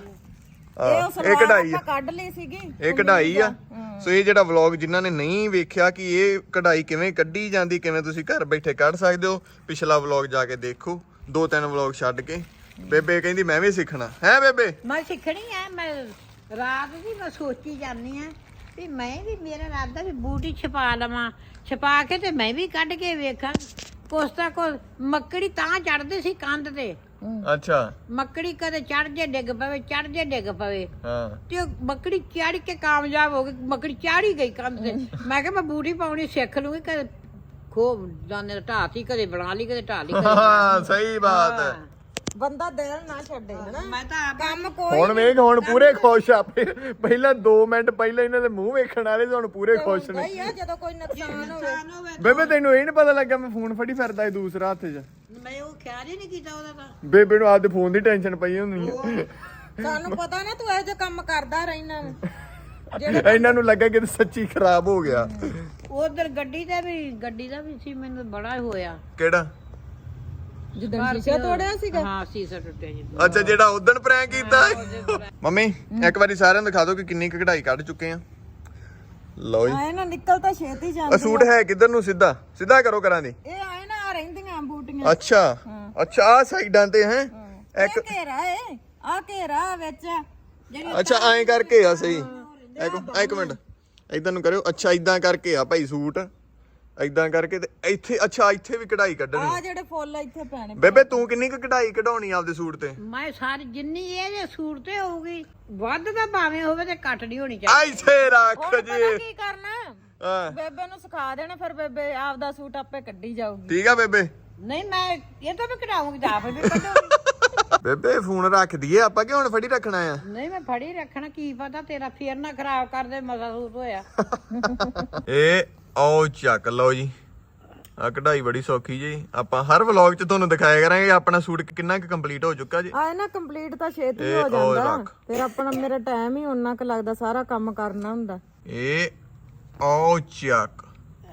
ਇਹ ਕਢਾਈ ਆ, ਕੱਢ ਲਈ ਸੀਗੀ। ਇਹ ਕਢਾਈ ਆ। ਸੋ ਇਹ ਜਿਹੜਾ ਵਲੌਗ ਜਿਨ੍ਹਾਂ ਨੇ ਨਹੀਂ ਵੇਖਿਆ ਕਿ ਇਹ ਕਢਾਈ ਕਿਵੇਂ ਕੱਢੀ ਜਾਂਦੀ, ਕਿਵੇਂ ਤੁਸੀਂ ਘਰ ਬੈਠੇ ਕੱਢ ਸਕਦੇ ਹੋ, ਪਿਛਲਾ ਵਲੌਗ ਜਾ ਕੇ ਦੇਖੋ। ਦੋ ਤਿੰਨ ਵਲੌਗ ਛੱਡ ਕੇ ਬੇਬੇ ਕਹਿੰਦੀ ਮੈਂ ਵੀ ਸਿੱਖਣਾ ਹੈ। ਬੇਬੇ ਮੈਂ ਸਿੱਖਣੀ ਆ। ਮੈਂ ਰਾਤ ਦੀ ਮੈਂ ਸੋਚੀ ਜਾਂਦੀ ਆ ਵੀ ਮੈਂ ਵੀ ਮੇਰਾ ਇਰਾਦਾ ਵੀ ਬੂਟੀ ਛਪਾ ਲਵਾਂ। ਛਪਾ ਕੇ ਤੇ ਮੈਂ ਵੀ ਕੱਢ ਕੇ ਵੇਖਾਂ। ਕੁਛ ਤਾਂ ਕੁਛ ਮੱਕੜੀ ਤਾਂ ਚੜਦੀ ਸੀ ਕੰਧ ਤੇ। ਅੱਛਾ ਮੱਕੜੀ ਕਦੇ ਚੜ ਜੇ ਡਿੱਗ ਪਵੇ, ਚੜ ਜੇ ਡਿੱਗ ਪਵੇ। ਹਾਂ ਤੇ ਉਹ ਮੱਕੜੀ ਚੜ ਕੇ ਕਾਮਯਾਬ ਹੋ ਗਈ। ਮੱਕੜੀ ਚਾੜੀ ਗਈ ਕੰਧ ਤੇ। ਮੈਂ ਕਿਹਾ ਮੈਂ ਬੂਟੀ ਪਾਉਣੀ ਸਿੱਖ ਲੂੰਗੀ। ਕਦੇ ਖੋ ਜਾਨੇ ਢਾਤੀ, ਕਦੇ ਬਣਾ ਲਈ, ਕਦੇ ਢਾ ਲਈ। ਹਾਂ ਸਹੀ ਬਾਤ ਹੈ। ਬੰਦਾ ਦਿਲ ਨਾ ਛੱਡੇ ਹਨਾ। ਮੈਂ ਤਾਂ ਕੰਮ ਕੋਈ ਹੁਣ ਵੇਖ ਹੁਣ ਪੂਰੇ ਖੁਸ਼ ਆ। ਪਹਿਲਾਂ ਦੋ ਮਿੰਟ ਪਹਿਲਾਂ ਇਹਨਾਂ ਦੇ ਮੂੰਹ ਵੇਖਣ ਵਾਲੇ ਤੇ ਹੁਣ ਪੂਰੇ ਖੁਸ਼ ਨੇ। ਹੀ ਆ ਜਦੋਂ ਕੋਈ ਨੁਕਸਾਨ ਹੋਵੇ। ਬੇਬੇ ਤੈਨੂੰ ਇਹ ਨੀ ਪਤਾ ਲੱਗਾ ਮੈਂ ਫੋਨ ਫੜੀ ਫਿਰਦਾ ਸੀ ਦੂਸਰਾ ਹੱਥ 'ਚ? ਮੈਂ ਉਹ ਖਿਆਲ ਹੀ ਨਹੀਂ ਕੀਤਾ ਉਹਦਾ ਤਾਂ। ਬੇਬੇ ਨੂੰ ਆਪਦੇ ਫੋਨ ਦੀ ਟੈਨਸ਼ਨ ਪਈ ਹੁੰਦੀ ਆ। ਸਾਨੂੰ ਪਤਾ ਨਾ ਤੂੰ ਇਹੋ ਜਿਹਾ ਕੰਮ ਕਰਦਾ ਰਹਿਣਾ। ਇਹਨਾਂ ਨੂੰ ਲੱਗਾ ਕਿ ਸੱਚੀ ਖਰਾਬ ਹੋ ਗਿਆ। ਉਧਰ ਗੱਡੀ ਦਾ ਵੀ ਗੱਡੀ ਦਾ ਵੀ ਸੀ। ਮੈਨੂੰ ਬੜਾ ਹੋਇਆ। ਕਿਹੜਾ? ਜਦੋਂ ਸ਼ੀਸ਼ਾ ਤੋੜਿਆ ਸੀਗਾ। ਹਾਂ ਸ਼ੀਸ਼ਾ ਟੁੱਟਿਆ ਜੀ। ਅੱਛਾ ਜਿਹੜਾ ਉਦਣ ਪ੍ਰੈਂਕ ਕੀਤਾ। ਮੰਮੀ ਇੱਕ ਵਾਰੀ ਸਾਰਿਆਂ ਨੂੰ ਦਿਖਾ ਦਿਓ ਕਿ ਕਿੰਨੀ ਕੁ ਕਢਾਈ ਕੱਢ ਚੁੱਕੇ ਆ। ਲਓ ਜੀ ਆਏ ਨਾ ਨਿਕਲ ਤਾਂ ਛੇਤੀ ਆ ਜਾਂਦੀ। ਸੂਟ ਹੈ ਕਿੱਧਰ ਨੂੰ? ਸਿੱਧਾ ਸਿੱਧਾ ਕਰੋ ਕਰਾਂ ਦੀ। ਇਹ ਆਏ ਨਾ ਆ ਰਹਿੰਦੀਆਂ ਬੂਟੀਆਂ। ਅੱਛਾ ਅੱਛਾ ਆ ਸਾਈਡਾਂ ਤੇ ਹੈ ਇੱਕ ਘੇਰਾ ਏ ਆ ਘੇਰਾ ਵਿੱਚ। ਅੱਛਾ ਐਂ ਕਰਕੇ ਆ ਸਹੀ। ਇੱਕ ਇੱਕ ਮਿੰਟ ਇਦਾਂ ਨੂੰ ਕਰਿਓ। ਅੱਛਾ ਇਦਾਂ ਕਰਕੇ ਆ ਭਾਈ ਸੂਟ। ਇਦਾਂ ਕਰਕੇ ਤੇ ਇੱਥੇ ਅੱਛਾ ਇੱਥੇ ਵੀ ਕਢਾਈ ਕੱਢਣੀ। ਆ ਜਿਹੜੇ ਫੁੱਲ ਇੱਥੇ ਪੈਣੇ। ਬੇਬੇ ਤੂੰ ਕਿੰਨੀ ਕੁ ਕਢਾਈ ਕਢਾਉਣੀ ਆਪਦੇ ਸੂਟ ਤੇ? ਮੈਂ ਸਾਰੀ ਜਿੰਨੀ ਇਹਦੇ ਸੂਟ ਤੇ ਹੋਊਗੀ ਵੱਧ ਤਾਂ ਭਾਵੇਂ ਹੋਵੇ ਤੇ ਘੱਟ ਨਹੀਂ ਹੋਣੀ ਚਾਹੀਦੀ। ਇੱਥੇ ਰੱਖ ਹੁਣ ਜੀ। ਪਤਾ ਕੀ ਕਰਨਾ? ਹਾਂ ਬੇਬੇ ਨੂੰ ਸਿਖਾ ਦੇਣਾ। ਫਿਰ ਬੇਬੇ ਆਪਦਾ ਸੂਟ ਆਪੇ ਕੱਢੀ ਜਾਊਗੀ। ਠੀਕ ਆ ਬੇਬੇ। ਨਹੀਂ ਮੈਂ ਇਹ ਤਾਂ ਵੀ ਕਢਾਉਂਗੀ ਤਾਂ ਆਪ ਵੀ ਕੱਢੂਗੀ। ਬੇਬੇ ਫੋਨ ਰੱਖ ਦਈਏ ਆਪਾਂ ਕਿ ਹੁਣ ਫੜੀ ਰੱਖਣਾ ਆ? ਨਹੀਂ ਮੈਂ ਫੜੀ ਰੱਖਣਾ। ਕੀ ਪਤਾ ਤੇਰਾ ਫੇਰ ਨਾ ਖਰਾਬ ਕਰ ਦੇ। ਮਜ਼ਾ ਸੂਟ ਹੋਇਆ। ਇਹ ਆਓ ਚੱਕ ਲਓ ਜੀ। ਆ ਕਢਾਈ ਬੜੀ ਸੌਖੀ ਜੀ। ਆਪਾਂ ਹਰ ਵਲੌਗ 'ਚ ਤੁਹਾਨੂੰ ਦਿਖਾਇਆ ਕਰਾਂਗੇ ਆਪਣਾ ਸੂਟ ਕਿੰਨਾ ਕੁ ਕੰਪਲੀਟ ਹੋ ਚੁੱਕਾ ਜੀ। ਆਏ ਨਾ ਕੰਪਲੀਟ ਤਾਂ ਛੇਤੀ ਇਹ ਹੋ ਉਹ ਜਾਂਦਾ। ਰੱਖ। ਫਿਰ ਆਪਣਾ ਮੇਰਾ ਟਾਈਮ ਹੀ ਉਨਾ ਕੁ ਲੱਗਦਾ ਸਾਰਾ ਕੰਮ ਕਰਨਾ ਹੁੰਦਾ। ਇਹ ਆਓ ਚੱਕ।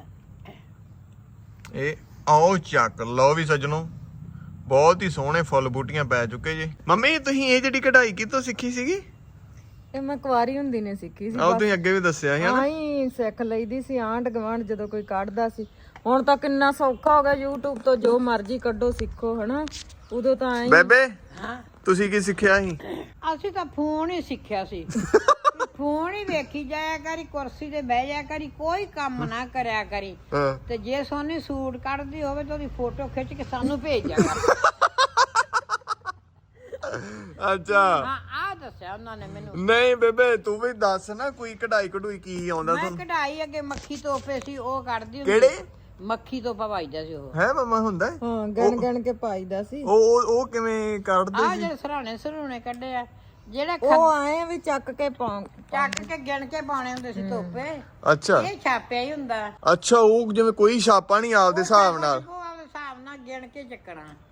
ਇਹ ਆਓ ਚੱਕ ਲਓ ਵੀ ਸੱਜਣੋ। ਬਹੁਤ ਹੀ ਸੋਹਣੇ ਫੁੱਲ ਬੂਟੀਆਂ ਪੈ ਚੁੱਕੇ ਜੀ। ਮੰਮੀ ਤੁਸੀਂ ਇਹ ਜਿਹੜੀ ਕਢਾਈ ਕਿੱਥੋਂ ਸਿੱਖੀ ਸੀਗੀ? ਇਹ ਮੈਂ ਕੁਆਰੀ ਹੁੰਦੀ ਨੇ ਸਿੱਖੀ ਸੀ। ਆਹ ਤੁਸੀਂ ਅੱਗੇ ਵੀ ਦੱਸਿਆ ਸੀ ਹਨਾ? ਆਈ ਸਿੱਖ ਲਈਦੀ ਸੀ ਆਂਢ ਗਵਾਂਢ ਜਦੋਂ ਕੋਈ ਕੱਢਦਾ ਸੀ। ਹੁਣ ਤਾਂ ਕਿੰਨਾ ਸੌਖਾ ਹੋ ਗਿਆ। YouTube ਤੋਂ ਜੋ ਮਰਜ਼ੀ ਕੱਢੋ ਸਿੱਖੋ ਹਨਾ। ਉਦੋਂ ਤਾਂ ਐਂ ਬੇਬੇ ਹਾਂ ਤੁਸੀਂ ਕੀ ਸਿੱਖਿਆ ਸੀ? ਅਸੀਂ ਤਾਂ ਫੋਨ ਹੀ ਸਿੱਖਿਆ ਸੀ। ਫੋਨ ਹੀ ਵੇਖੀ ਜਾਇਆ ਕਰੀ, ਕੁਰਸੀ ਤੇ ਬਹਿ ਜਾਇਆ ਕਰੀ, ਕੋਈ ਕੰਮ ਨਾ ਕਰਿਆ ਕਰੀ। ਹਾਂ ਤੇ ਜੇ ਸੋਨੀ ਸੂਟ ਕੱਢਦੀ ਹੋਵੇ ਤਾਂ ਉਹਦੀ ਫੋਟੋ ਖਿੱਚ ਕੇ ਸਾਨੂੰ ਭੇਜਿਆ ਕਰ। ਅੱਛਾ ਹਾਂ ਆ ਦੱਸਿਆ ਉਹਨਾਂ ਨੇ ਮੈਨੂੰ। ਨਹੀਂ ਬੇਬੇ ਤੂੰ ਵੀ ਦੱਸ ਨਾ ਕੋਈ ਕਢਾਈ ਕਢੂਈ ਕੀ ਆਉਂਦਾ ਮੈਂ ਤੁਹਾਨੂੰ? ਕਢਾਈ ਅੱਗੇ ਮੱਖੀ ਤੋਪੇ ਸੀ ਉਹ ਕੱਢਦੀ ਹੁੰਦੀ। ਕਿਹੜੇ? ਮੱਖੀ ਤੋਪਾ ਪਾਈਦਾ ਸੀ ਉਹ। ਹੈ ਮਮਾ ਹੁੰਦਾ? ਹਾਂ ਗਣ ਗਣ ਕੇ ਪਾਈਦਾ ਸੀ। ਉਹ ਉਹ ਉਹ ਕਿਵੇਂ ਕੱਢਦੇ ਆ ਸੀ? ਜਿਹੜੇ ਸਰਾਣੇ ਸਰੂਣੇ ਕੱਢੇ ਆ ਜਿਹੜਾ ਉਹ ਆਏ ਵੀ ਚੱਕ ਕੇ ਪਾ ਚੱਕ ਕੇ ਗਿਣ ਕੇ ਪਾਉਣੇ ਹੁੰਦੇ ਸੀ ਤੋਪੇ। ਅੱਛਾ ਇਹ ਛਾਪਿਆ ਹੀ ਹੁੰਦਾ। ਅੱਛਾ ਉਹ ਜਿਵੇਂ ਕੋਈ ਛਾਪਾ ਨਹੀਂ ਆਪਦੇ ਹਿਸਾਬ ਨਾਲ। ਉਹ ਆਪਦੇ ਹਿਸਾਬ ਨਾਲ ਗਿਣ ਕੇ ਚੱਕਣਾ।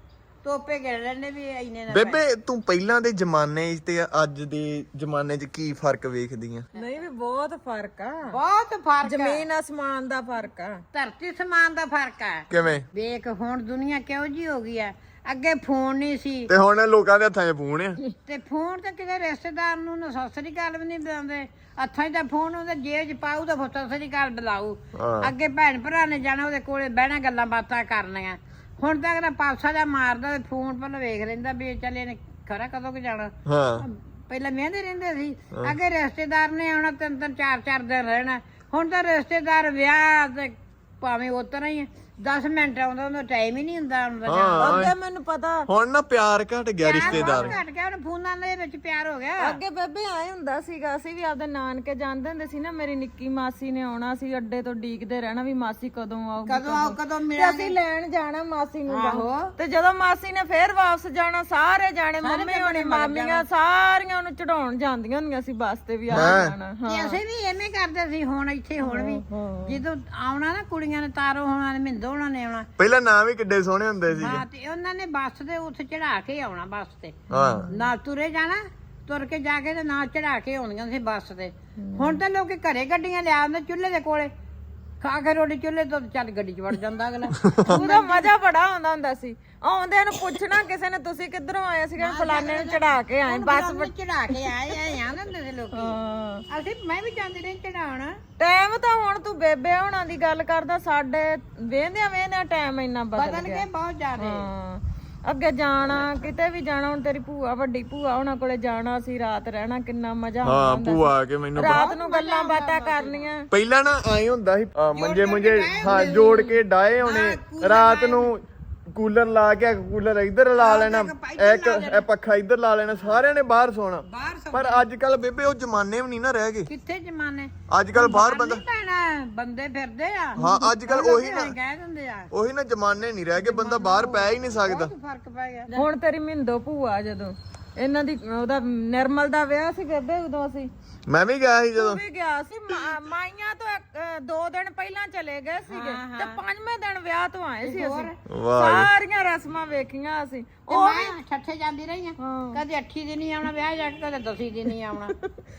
ਤੋਪੇ ਗਿਣ ਲੈਣੇ ਵੀ ਇੰਨੇ ਨਾ ਬੇਬੇ ਤੂੰ ਪਹਿਲਾਂ ਦੇ ਜ਼ਮਾਨੇ 'ਚ ਤੇ ਅੱਜ ਦੇ ਜ਼ਮਾਨੇ 'ਚ ਕੀ ਫਰਕ ਵੇਖਦੀ ਆ? ਨਹੀਂ ਵੀ ਬਹੁਤ ਫਰਕ ਆ, ਬਹੁਤ ਫਰਕ ਆ। ਜ਼ਮੀਨ ਅਸਮਾਨ ਦਾ ਫਰਕ ਆ, ਧਰਤੀ ਸਮਾਨ ਦਾ ਫਰਕ ਆ। ਕਿਵੇਂ? ਵੇਖ ਹੁਣ ਦੁਨੀਆ ਕਿਹੋ ਜੀ ਹੋ ਗਈ ਆ। ਅੱਗੇ ਫੋਨ ਨਹੀਂ ਸੀ ਤੇ ਹੁਣ ਲੋਕਾਂ ਦੇ ਹੱਥਾਂ 'ਚ ਫੋਨ ਆ। ਤੇ ਫੋਨ ਤੇ ਕਿਤੇ ਰਿਸ਼ਤੇਦਾਰ ਨੂੰ ਨਾ ਸਤਿ ਸ੍ਰੀ ਅਕਾਲ ਵੀ ਨਹੀਂ ਬੁਲਾਉਂਦੇ। ਹੱਥਾਂ 'ਚ ਤਾਂ ਫੋਨ ਉਹਦੇ ਜੇਬ 'ਚ ਪਾਉ ਤਾਂ ਫਿਰ ਸਤਿ ਸ੍ਰੀ ਅਕਾਲ ਬੁਲਾਊ। ਹਾਂ। ਅੱਗੇ ਭੈਣ ਭਰਾ ਨੇ ਜਾਣਾ ਉਹਦੇ ਕੋਲੇ ਬਹਿਣਾ ਗੱਲਾਂ ਬਾਤਾਂ ਕਰਨੀਆਂ। ਹੁਣ ਤਾਂ ਅਗਲਾ ਪਾਸਾ ਜਾ ਮਾਰਦਾ ਤੇ ਫੋਨ ਪਹਿਲਾਂ ਵੇਖ ਲੈਂਦਾ ਵੀ ਚੱਲ ਇਹਨੇ ਖਰਾ ਕਦੋਂ ਕਿ ਜਾਣਾ। ਹਾਂ ਪਹਿਲਾਂ ਮਹਿੰਦੇ ਰਹਿੰਦੇ ਸੀ। ਅੱਗੇ ਰਿਸ਼ਤੇਦਾਰ ਨੇ ਆਉਣਾ ਤਿੰਨ ਤਿੰਨ ਚਾਰ ਚਾਰ ਦਿਨ ਰਹਿਣਾ। ਹੁਣ ਤਾਂ ਰਿਸ਼ਤੇਦਾਰ ਵਿਆਹ ਤੇ ਭਾਵੇਂ ਉਤਰਾ ਹੀ ਦਸ ਮਿੰਟ ਆਉਂਦਾ ਉਹਦਾ ਟਾਈਮ ਹੀ ਨਹੀਂ ਹੁੰਦਾ ਆਉਂਦਾ ਹਾਂ ਅੱਗੇ ਮੈਨੂੰ ਪਤਾ ਹੁਣ ਨਾ ਪਿਆਰ ਘਟ ਗਿਆ ਰਿਸ਼ਤੇਦਾਰ। ਘਟ ਗਿਆ ਹੁਣ ਫੋਨਾਂ ਦੇ ਵਿੱਚ ਪਿਆਰ ਹੋ ਗਿਆ। ਅੱਗੇ ਬੇਬੇ ਆਏ ਹੁੰਦਾ ਸੀਗਾ, ਅਸੀਂ ਵੀ ਆਪਦੇ ਨਾਨਕੇ ਜਾਂਦੇ ਹੁੰਦੇ ਸੀ ਨਾ। ਮੇਰੀ ਨਿੱਕੀ ਮਾਸੀ ਨੇ ਆਉਣਾ ਸੀ, ਅੱਡੇ ਤੋਂ ਡੀਕਦੇ ਰਹਿਣਾ ਵੀ ਮਾਸੀ ਕਦੋਂ ਆਊਗੀ, ਕਦੋਂ ਆਓ ਕਦੋਂ ਤੇ ਮਿਲਾਂਗੇ। ਅਸੀਂ ਲੈਣ ਜਾਣਾ ਮਾਸੀ ਨੂੰ ਆਹੋ। ਬਾਹਰ। ਤੇ ਜਦੋਂ ਮਾਸੀ ਨੇ ਫੇਰ ਵਾਪਸ ਜਾਣਾ, ਸਾਰੇ ਜਾਣੇ ਮੰਮੀ ਹੋਣੀ ਮਾਮੀਆਂ ਸਾਰੀਆਂ ਉਹਨੂੰ ਚੜਾਉਣ ਜਾਂਦੀਆਂ ਹੁੰਦੀਆਂ ਸੀ ਬੱਸ ਤੇ ਵੀ ਆ ਜਾਣਾ। ਤੇ ਅਸੀਂ ਵੀ ਐਵੇਂ ਕਰਦੇ ਸੀ। ਹੁਣ ਇੱਥੇ ਹੁਣ ਵੀ ਜਦੋਂ ਆਉਣਾ ਨਾ ਕੁੜੀਆਂ ਨੇ, ਤਾਰੋ ਹੋਣਾ ਨੇ, ਮਿੰਦੋ ਹੋਣਾ ਨੇ ਆਉਣਾ। ਪਹਿਲਾਂ ਨਾਂ ਵੀ ਕਿੱਡੇ ਸੋਹਣੇ ਹੁੰਦੇ ਸੀ। ਹਾਂ ਤੇ ਉਹਨਾਂ ਨੇ ਬੱਸ ਤੇ ਉੱਥੇ ਚੜਾ ਕੇ ਆਉਣਾ ਬੱਸ ਤੇ। ਹਾਂ ਨਾ ਤੁਰੇ ਜਾਣਾ, ਤੁਰ ਕੇ ਜਾ ਕੇ ਤੇ ਨਾ ਚੜਾ ਕੇ ਆਉਣੀਆਂ ਸੀ ਬੱਸ ਤੇ। ਹੁਣ ਤਾਂ ਲੋਕੀ ਘਰੇ ਗੱਡੀਆਂ ਲਿਆ ਆਉਂਦੇ ਚੁੱਲ੍ਹੇ ਦੇ ਕੋਲੇ, ਖਾ ਕੇ ਰੋਟੀ ਚੁੱਲ੍ਹੇ ਤੋਂ ਚੱਲ ਗੱਡੀ 'ਚ ਵੜ ਜਾਂਦਾ ਅਗਲਾ। ਉਹਦਾ ਮਜ਼ਾ ਬੜਾ ਆਉਂਦਾ ਹੁੰਦਾ ਸੀ। ਆਉਂਦੇ ਨੂੰ ਪੁੱਛਣਾ ਕਿਸੇ ਨੇ ਤੁਸੀਂ ਕਿੱਧਰੋਂ ਆਏ ਸੀਗੇ, ਫਲਾਣੇ ਨੂੰ ਚੜਾ ਕੇ ਆਏ ਬੱਸ। ਚੜਾ ਕੇ ਆਏ ਆਏ ਆ ਹੁੰਦੇ ਸੀ ਲੋਕੀ। ਹਾਂ ਅਸੀਂ ਮੈਂ ਵੀ ਜਾਂਦੀ ਰਹੀ ਚੜਾਉਣ। ਟਾਈਮ ਤਾਂ ਹੁਣ ਤੂੰ ਬੇਬੇ ਹੋਣਾ ਦੀ ਗੱਲ ਕਰਦਾ, ਸਾਡੇ ਵੇਂਦਿਆਂ ਵੇਂਦਿਆਂ ਟਾਈਮ ਇੰਨਾ ਬਦਲ ਬਦਲ ਗਿਆ। ਗਏ ਬਹੁਤ ਜ਼ਿਆਦਾ। ਹਾਂ ਅੱਗੇ ਜਾਣਾ ਕਿਤੇ ਵੀ ਜਾਣਾ, ਹੁਣ ਤੇਰੀ ਭੂਆ ਵੱਡੀ ਭੂਆ ਉਹਨਾਂ ਕੋਲੇ ਜਾਣਾ ਸੀ, ਰਾਤ ਰਹਿਣਾ, ਕਿੰਨਾ ਮਜ਼ਾ ਹਾਂ ਆਉਂਦਾ ਭੂਆ ਆ ਕੇ ਮੈਨੂੰ ਰਾਤ ਨੂੰ ਗੱਲਾਂ ਬਾਤਾਂ ਕਰਨੀਆਂ। ਪਹਿਲਾਂ ਨਾ ਆਏ ਹੁੰਦਾ ਸੀ ਅਹ ਮੰਜੇ ਮੁੰਜੇ ਹਾਂ ਜੋੜ ਕੇ ਡਾਏ ਹੋਣੇ। ਰਾਤ ਨੂੰ ਕੂਲਰ ਲਾ ਕੇ ਕੂਲਰ ਇੱਧਰ ਲਾ ਲੈਣਾ, ਇੱਕ ਇਹ ਪੱਖਾ ਇੱਧਰ ਲਾ ਲੈਣਾ, ਸਾਰਿਆਂ ਨੇ ਬਾਹਰ ਸੌਣਾ। ਬਾਹਰ ਸੌ ਪਰ ਅੱਜ ਕੱਲ ਬੇਬੇ ਉਹ ਜ਼ਮਾਨੇ ਵੀ ਨਹੀਂ ਨਾ ਰਹਿ ਗਏ। ਕਿੱਥੇ ਜਮਾਨੇ ਅੱਜ ਕੱਲ ਬਾਹਰ ਬੰਦਾ ਪੈਣਾ ਬੰਦੇ ਫਿਰਦੇ ਆ। ਹਾਂ ਅੱਜ ਕੱਲ ਉਹੀ ਨਾ ਕਹਿ ਦਿੰਦੇ ਆ ਉਹੀ ਨਾ ਜ਼ਮਾਨੇ ਨਹੀਂ ਰਹਿ ਗਏ, ਬੰਦਾ ਬਾਹਰ ਪੈ ਹੀ ਨਹੀਂ ਸਕਦਾ। ਬਹੁਤ ਫਰਕ ਪੈ ਗਿਆ। ਹੁਣ ਤੇਰੀ ਮਿੰਦੋ ਭੂਆ ਜਦੋਂ ਇਹਨਾਂ ਦੀ ਉਹਦਾ ਨਿਰਮਲ ਦਾ ਵਿਆਹ ਸੀ ਬੇਬੇ, ਉਦੋਂ ਅਸੀਂ ਮੈਂ ਵੀ ਗਿਆ ਸੀ ਜਦੋਂ। ਤੂੰ ਵੀ ਗਿਆ ਸੀ। ਮਾ- ਮਾਈਆਂ ਤੋਂ ਇੱਕ- ਅਹ ਦੋ ਦਿਨ ਪਹਿਲਾਂ ਚਲੇ ਗਏ ਸੀਗੇ ਤੇ ਪੰਜਵੇਂ ਦਿਨ ਵਿਆਹ ਤੋਂ ਆਏ ਸੀ ਅਸੀਂ। ਵਾਹ ਸਾਰੀਆਂ ਰਸਮਾਂ ਵੇਖੀਆਂ ਅਸੀਂ। ਉਹ ਮੈਂ ਠੱਠੇ ਜਾਂਦੀ ਰਹੀ ਆ। ਹਾਂ। ਕਦੇ ਅੱਠੀ ਦਿਨ ਹੀ ਆਉਣਾ ਵਿਆਹ ਜਾ ਕੇ, ਕਦੇ ਦਸੀ ਦਿਨ ਹੀ ਆਉਣਾ।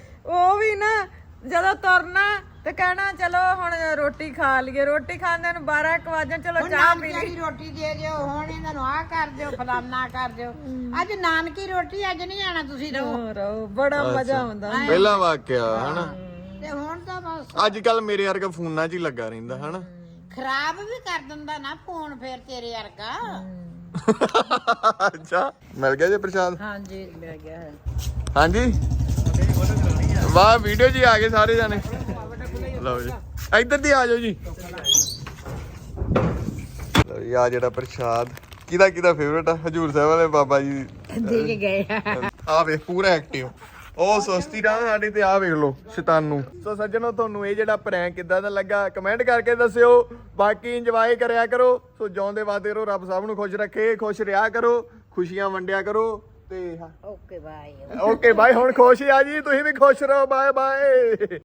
ਉਹ ਵੀ ਨਾ ਜਦੋਂ ਤੁਰਨਾ ਤੇ ਕਹਿਣਾ ਚਲੋ ਹੁਣ ਰੋਟੀ ਖਾ ਲਈਏ, ਰੋਟੀ ਖਾਂਦੇ ਨੂੰ ਬਾਰਾਂ ਇੱਕ ਵਜੇ ਚਲੋ ਚਾਹ ਪੀ ਲਈ। ਰੋਟੀ ਦੇ ਦਿਓ, ਹੁਣ ਇਹਨਾਂ ਨੂੰ ਆਹ ਕਰ ਦਿਓ, ਫਲਾਨਾ ਕਰ ਦਿਓ। ਅੱਜ ਨਾਨਕੀ ਰੋਟੀ, ਅੱਜ ਨਹੀਂ ਆਣਾ ਤੁਸੀਂ ਰਹੋ। ਰਹੋ ਬੜਾ ਮਜ਼ਾ ਆਉਂਦਾ। ਪਹਿਲਾ ਵਾਕਿਆ ਹਨਾ। ਤੇ ਹੁਣ ਤਾਂ ਬਸ ਅੱਜ ਕੱਲ ਮੇਰੇ ਵਰਗਾ ਫੋਨਾਂ 'ਚ ਹੀ ਲੱਗਾ ਰਹਿੰਦਾ ਹਨਾ। ਖਰਾਬ ਵੀ ਕਰ ਦਿੰਦਾ ਨਾ ਫੋਨ ਫੇਰ ਤੇਰੇ ਵਰਗਾ। ਅੱਛਾ ਮਿਲ ਗਿਆ ਜੀ ਪ੍ਰਸ਼ਾਦ? ਹਾਂਜੀ ਮਿਲ ਗਿਆ ਹੈ। ਹਾਂਜੀ ਵਾਹ ਵੀਡੀਓ ਜੀ ਆ ਗਏ ਸਾਰੇ ਜਾਣੇ। ਲਓ ਜੀ ਇੱਧਰ ਦੀ ਆ ਜਾਓ ਜੀ। ਲਓ ਜੀ ਆ ਜਿਹੜਾ ਪ੍ਰਸ਼ਾਦ ਕਿਹਦਾ ਕਿਹਦਾ ਫੇਵਰਟ ਆ? ਹਜੂਰ ਸਾਹਿਬ ਵਾਲੇ ਬਾਬਾ ਜੀ ਦੇ ਕੇ ਗਏ ਆ। ਆ ਵੇਖ ਪੂਰਾ ਐਕਟਿਵ। ਉਹ ਸੁਸਤੀ ਨਾ ਸਾਡੇ ਤੇ ਆ ਵੇਖ ਲੋ ਸ਼ੈਤਾਨੂ। ਸੋ ਸੱਜਣੋ ਤੁਹਾਨੂੰ ਇਹ ਜਿਹੜਾ ਪ੍ਰੈਂਕ ਕਿੱਦਾਂ ਦਾ ਲੱਗਾ ਕਮੈਂਟ ਕਰਕੇ ਦੱਸਿਓ। ਬਾਕੀ ਇੰਜੋਏ ਕਰਿਆ ਕਰੋ। ਸੋ ਜਿਉਂਦੇ ਵਾਦੇ ਰਹੋ, ਰੱਬ ਸਭ ਨੂੰ ਖੁਸ਼ ਰੱਖੇ, ਖੁਸ਼ ਰਿਹਾ ਕਰੋ, ਖੁਸ਼ੀਆਂ ਵੰਡਿਆ ਕਰੋ ਤੇ ਓਕੇ ਬਾਏ। Okay bye. ਹੁਣ ਖੁਸ਼ ਆ ਜੀ, ਤੁਸੀਂ ਵੀ ਖੁਸ਼ ਰਹੋ। Bye bye.